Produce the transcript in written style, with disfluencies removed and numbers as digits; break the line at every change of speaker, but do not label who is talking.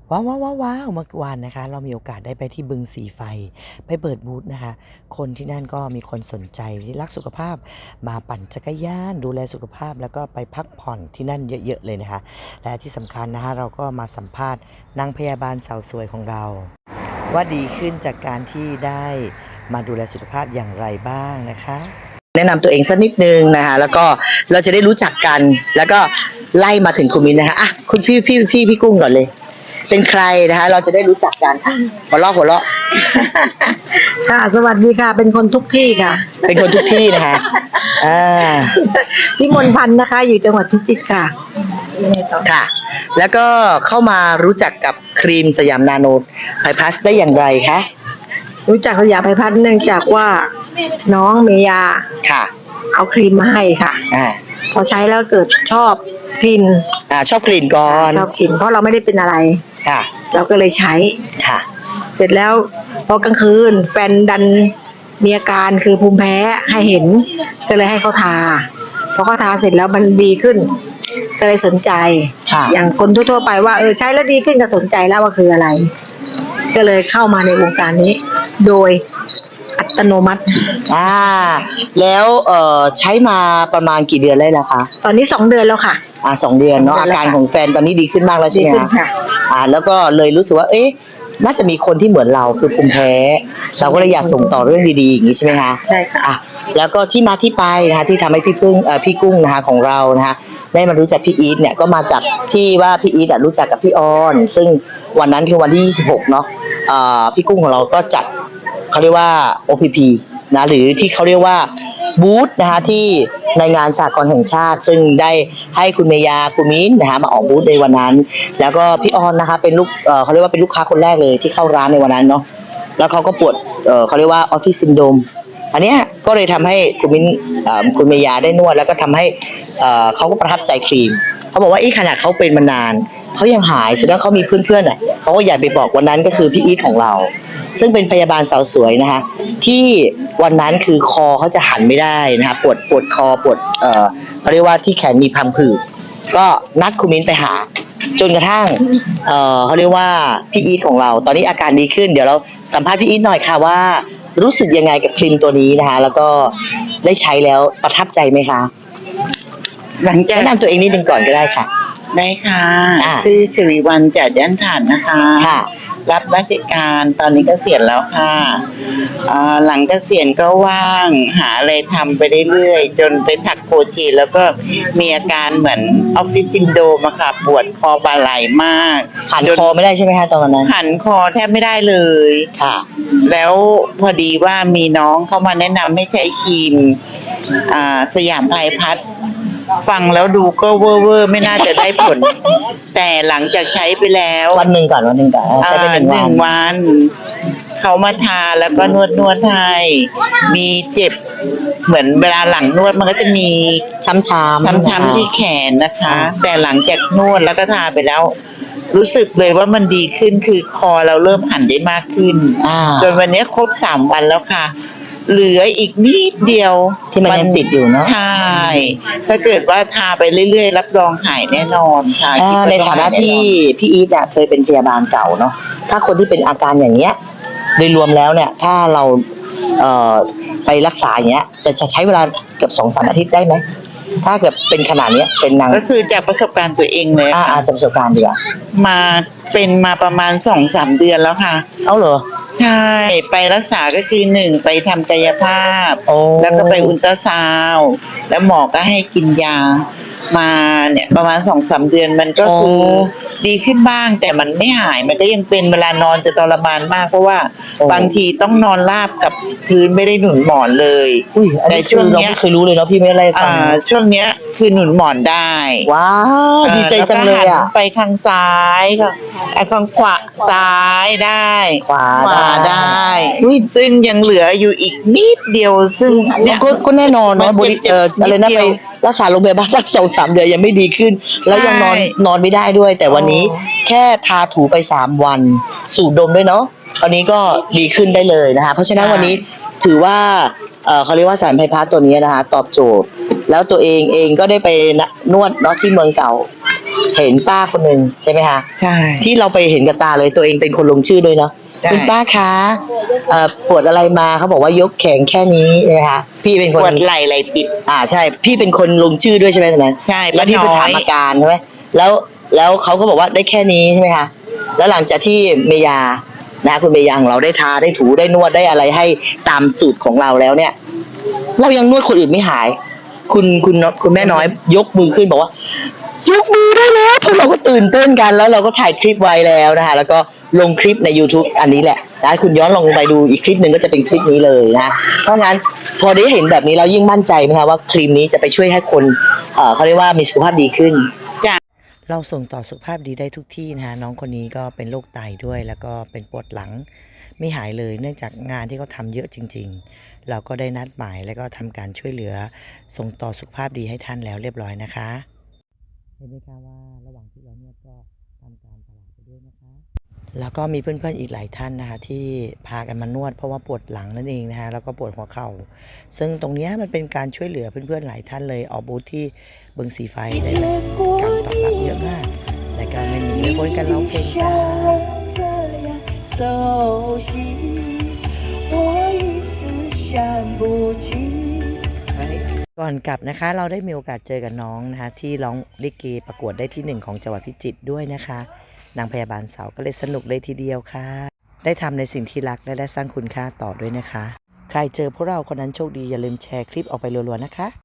ว้าวเมื่อวานนะคะเรามีโอกาสได้ไปที่บึงสีไฟไปเปิดบูธนะคะคนที่นั่นก็มีคนสนใจที่รักสุขภาพมาปั่นจักรยานดูแลสุขภาพแล้วก็ไปพักผ่อนที่นั่นเยอะๆเลยนะคะและที่สำคัญนะคะเราก็มาสัมภาษณ์นางพยาบาลสาวสวยของเราว่าดีขึ้นจากการที่ได้มาดูแลสุขภาพอย่างไรบ้างนะคะแนะนำตัวเองสักนิดนึงนะคะแล้วก็เราจะได้รู้จักกันแล้วก็ไล่มาถึงคุณมินนะคะอ่ะคุณพี่กุ้งก่อนเลยเป็นใครนะคะเราจะได้รู้จักกันหัวเราะ
ค่ะสวัสดีค่ะเป็นคนทุกที่ค่ะ
เป็นคนทุกที่นะคะอ่า
พี่มนพันธ์นะคะอยู่จังหวัดพิจิตรค่ะ
ค่ะแล้วก็เข้ามารู้จักกับครีมสยามนาโนไฮพลัสได้อย่างไรคะ
รู้จักสยามไพพัฒน์เนื่องจากว่าน้องเมยา
ค่ะ
เอาครีมมาให้ค่ะพอใช้แล้วเกิดชอบกลิ่น
ชอบกลิ่นก่อน
ชอบกลิ่นเพราะเราไม่ได้เป็นอะไร
ค่ะ
เราก็เลยใช้
ค่ะ
เสร็จแล้วพอกลางคืนแฟนดันมีอาการคือภูมิแพ้ให้เห็นก็เลยให้เขาทาพอเขาทาเสร็จแล้วมันดีขึ้นก็เลยสนใจอย่างคนทั่วๆไปว่าใช้แล้วดีขึ้นก็สนใจแล้วว่าคืออะไรก็เลยเข้ามาในวงการนี้โดยอัตโนมัติ
แล้วใช้มาประมาณกี่เดือนแล้วล่ะคะ
ตอนนี้2 เดือนแล้วค่ะ
2 เดือนเนาะอาการของแฟนตอนนี้ดีขึ้นมากแล้วใช่ไหมคะแล้วก็เลยรู้สึกว่าน่าจะมีคนที่เหมือนเราคือภูมิแพ้เราก็เลยอยากส่งต่อเรื่องดีๆอย่างนี้ใช่ไหมคะ
ใช่ค่ะ
แล้วก็ที่มาที่ไปนะคะที่ทำให้พี่กุ้งนะคะของเรานะคะได้มารู้จักพี่อีทเนี่ยก็มาจากที่ว่าพี่อีทรู้จักกับพี่ออนซึ่งวันนั้นคือวันที่26เนาะพี่กุ้งของเราก็จัดเขาเรียกว่า OPP นะหรือที่เขาเรียกว่าบูธนะคะที่ในงานสหกรณ์แห่งชาติซึ่งได้ให้คุณเมยาคุณมิ้นนะคะมาออกบูธในวันนั้นแล้วก็พี่ออนนะคะเป็นเขาเรียกว่าเป็นลูกค้าคนแรกเลยที่เข้าร้านในวันนั้นเนาะแล้วเขาก็ปวดเขาเรียกว่าออฟฟิศซินโดรมอันเนี้ยก็เลยทำให้คุณมิ้นคุณเมยาได้นวดแล้วก็ทำให้เขาก็ประทับใจครีมเขาบอกว่าขนาดเขาเป็นมานานเขายังหายแสดงเขามีเพื่อนๆเขาก็อยากไปบอกวันนั้นก็คือพี่อีทของเราซึ่งเป็นพยาบาลสาวสวยนะคะที่วันนั้นคือคอเขาจะหันไม่ได้นะคะปวดคอปวดเขาเรียกว่าที่แขนมีพังผืดก็นัดคุณมิ้นไปหาจนกระทั่งเขาเรียกว่าพี่อีทของเราตอนนี้อาการดีขึ้นเดี๋ยวเราสัมภาษณ์พี่อีทหน่อยค่ะว่ารู้สึกยังไงกับครีมตัวนี้นะคะแล้วก็ได้ใช้แล้วประทับใจไหมคะหลังจากแนะนำตัวเองนิดนึงก่อนก็ได้ค่ะ
ได้ค่ะชื่อสิริวัลย์จัดยันฐานนะคะรับราชการตอนนี้เกษียณแล้วค่ะหลังเกษียณก็ว่างหาอะไรทำไปเรื่อยๆจนไปถักโครเชต์แล้วก็มีอาการเหมือนออฟฟิศซินโดรมอะค่ะปวดคอบ่าไหล่มาก
หันคอไม่ได้ใช่ไหมคะตอนนั้น
หันคอแทบไม่ได้เลย
ค่ะ
แล้วพอดีว่ามีน้องเข้ามาแนะนำให้ใช้ครีมสยามไพพัฒน์ฟังแล้วดูก็เวอร์ไม่น่าจะได้ผลแต่หลังจากใช้ไปแล้ว
วันหนึ่งก่อนใช้ไป1
วันเขามาทาแล้วก็นวดให้มีเจ็บเหมือนเวลาหลังนวดมันก็จะมี
ช้ำ
ที่แขนนะคะแต่หลังจากนวดแล้วก็ทาไปแล้วรู้สึกเลยว่ามันดีขึ้นคือคอเราเริ่มหันได้มากขึ้นจนวันนี้ครบ3 วันแล้วค่ะเหลืออีกนิดเดียว
ที่มันยังติดอยู่เนาะ
ใช่ถ้าเกิดว่าทาไปเรื่อยๆรับรองหายแน่นอนค่ะ
ในฐานะที่พี่อีทเคยเป็นพยาบาลเก่าเนาะถ้าคนที่เป็นอาการอย่างเงี้ยโดยรวมแล้วเนี่ยถ้าเราไปรักษาอย่างเงี้ยจะใช้เวลาเกือบ2-3 อาทิตย์ได้ไหมถ้าเกิดเป็นขนาดนี้เป็น
ก็คือจากประสบการณ์ตัวเองเลย
จากประสบการณ์ดีกว่า
เป็นมาประมาณ2-3 เดือนแล้วค่ะ
เอาเหรอ
ใช่ไปรักษาก็คือ1ไปทำกายภาพแล้วก็ไปอุลตราซาวด์แล้วหมอก็ให้กินยามาเนี่ยประมาณ2-3 เดือนมันก็คือดีขึ้นบ้างแต่มันไม่หายมันก็ยังเป็นเวลานอนจะทรมานมากเพราะว่าบางทีต้องนอนราบกับพื้นไม่ได้หนุนหมอนเลย
แต่ช่วงนี้เราไม่เคยรู้เลยเนาะพี่ไม่ได้ฟัง
ช่วงเนี้ยคือหนุนหมอนได้
ว้าวดีใจจังเลย
ไปข้างซ้ายค่ะข้างขวาซ้ายได้
ขวา
ได้ซึ่งยังเหลืออยู่อีกนิดเดียวซึ่ง
เนี่ยก็แน่นอนเนาะอะไรนะไปรักษาโรงพยาบาลสัก2-3 เดือนยังไม่ดีขึ้นแล้วยังนอนไม่ได้ด้วยแต่วันนี้แค่ทาถูไป3 วันสูดดมด้วยเนาะตอนนี้ก็ดีขึ้นได้เลยนะคะเพราะฉะนั้นวันนี้ถือว่าเขาเรียกว่าสารไพพัฒน์ตัวนี้นะคะตอบโจทย์แล้วตัวเองก็ได้ไปนวดเนาะที่เมืองเก่าเห็นป้าคนหนึ่งใช่ไหมคะ
ใช่
ที่เราไปเห็นกับตาเลยตัวเองเป็นคนลงชื่อด้วยเนาะ
ใช่
คุณป้าคะปวดอะไรมาเขาบอกว่ายกแขนแค่นี้ใช่ไหมคะพี่เป็นค
ป
น
วดไหล่ติด
ใช่พี่เป็นคนลงชื่อด้วยใช่ไหมตอนนั้น
ใช่
แล้วพี่ไป
ป้าน้อย
ถามอาการใช่ไหมแล้วเขาก็บอกว่าได้แค่นี้ใช่ไหมคะแล้วหลังจากที่เมยานะคุณเมยาของเราได้ทาได้ถูได้นวดได้อะไรให้ตามสูตรของเราแล้วเนี่ย เรายังนวดคนอื่นไม่หาย คุณแม่น้อยยกมือขึ้นบอกว่า ยกมือได้แล้วพวกเราก็ตื่นเต้นกันแล้วเราก็ถ่ายคลิปไว้แล้วนะคะแล้วก็ลงคลิปใน YouTube อันนี้แหละนะคุณย้อนลงไปดูอีกคลิปหนึ่งก็จะเป็นคลิปนี้เลยนะเพราะงั้นพอได้เห็นแบบนี้เรายิ่งมั่นใจนะคะว่าครีมนี้จะไปช่วยให้คนเขาเรียกว่ามีสุขภาพดีขึ้น เราส่งต่อสุขภาพดีได้ทุกที่นะคะน้องคนนี้ก็เป็นโรคไตด้วยแล้วก็เป็นปวดหลังไม่หายเลยเนื่องจากงานที่เขาทำเยอะจริงๆเราก็ได้นัดหมายแล้วก็ทำการช่วยเหลือส่งต่อสุขภาพดีให้ท่านแล้วเรียบร้อยนะคะเห็นไหมคะว่าระหว่างที่เรานวดก็ทำการตลาดไปด้วยนะคะแล้วก็มีเพื่อนๆอีกหลายท่านนะคะที่พากันมานวดเพราะว่าปวดหลังนั่นเองนะคะแล้วก็ปวดหัวเข่าซึ่งตรงนี้มันเป็นการช่วยเหลือเพื่อนๆหลายท่านเลยออกบูธที่บึงสีไฟได้การตอบรับเยอะมากและก็ไม่หนีไม่พ้นกันร้องเพลงจ้าก่อนกลับนะคะเราได้มีโอกาสเจอกับน้องนะคะที่ร้องลิเกประกวดได้ที่1ของจังหวัดพิจิตรด้วยนะคะนางพยาบาลสาวก็เลยสนุกเลยทีเดียวค่ะได้ทำในสิ่งที่รักและได้สร้างคุณค่าต่อด้วยนะคะใครเจอพวกเราคนนั้นโชคดีอย่าลืมแชร์คลิปออกไปรัวๆนะคะ